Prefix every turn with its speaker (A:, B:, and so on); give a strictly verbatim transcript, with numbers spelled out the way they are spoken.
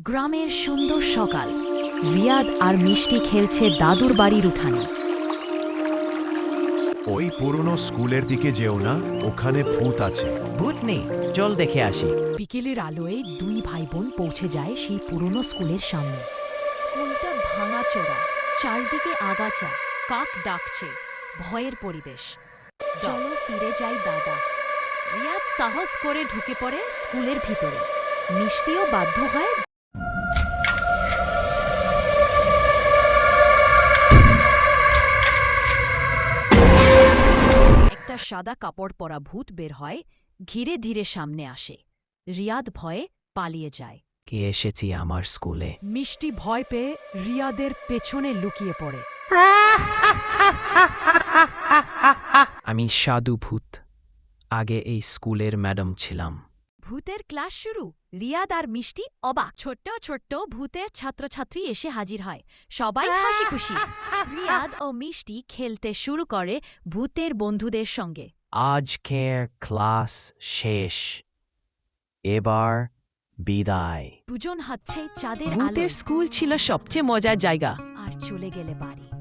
A: গ্রামের সুন্দর সকাল। রিয়াদ আর মিষ্টি খেলছে দাদুর বাড়ির উঠানে।
B: ওই পুরনো স্কুলের দিকে যেও না, ওখানে ভূত আছে।
C: ভূত নেই, চল দেখে আসি।
A: বিকেলের আলোয় দুই ভাই বোন পৌঁছে যায় সেই পুরনো স্কুলের সামনে। স্কুলটা ভাঙাচোরা, চারদিকে আগাছা, কাক ডাকছে, ভয়ের পরিবেশ। চলো ফিরে যাই দাদা। রিয়াদ সাহস করে ঢুকে পড়ে স্কুলের ভিতরে। মিষ্টিও বাধ্য হয়। একটা সাদা কাপড় পরা ভূত বের হয়, ধীরে ধীরে সামনে আসে। রিয়াদ ভয়ে পালিয়ে যায়।
C: কে এসেছি আমার স্কুলে?
A: মিষ্টি ভয় পেয়ে রিয়াদের পেছনে লুকিয়ে পড়ে।
C: আমি সাধু ভূত, আগে এই স্কুলের ম্যাডাম ছিলাম।
A: ভূতের ক্লাস শুরু। রিয়াদ আর মিষ্টি অবাক। ছোট্ট ছোট্ট ভূতের ছাত্রছাত্রী এসে হাজির হয়, সবাই হাসি খুশি। রিয়াদ ও মিষ্টি খেলতে শুরু করে ভূতের বন্ধুদের সঙ্গে।
C: আজকের ক্লাস শেষ, এবার বিদায়।
A: দুজন হাঁটছে চাঁদের আলো
D: ভূতের স্কুল ছিল সবচেয়ে মজার জায়গা।
A: আর চলে গেলে বাড়ি।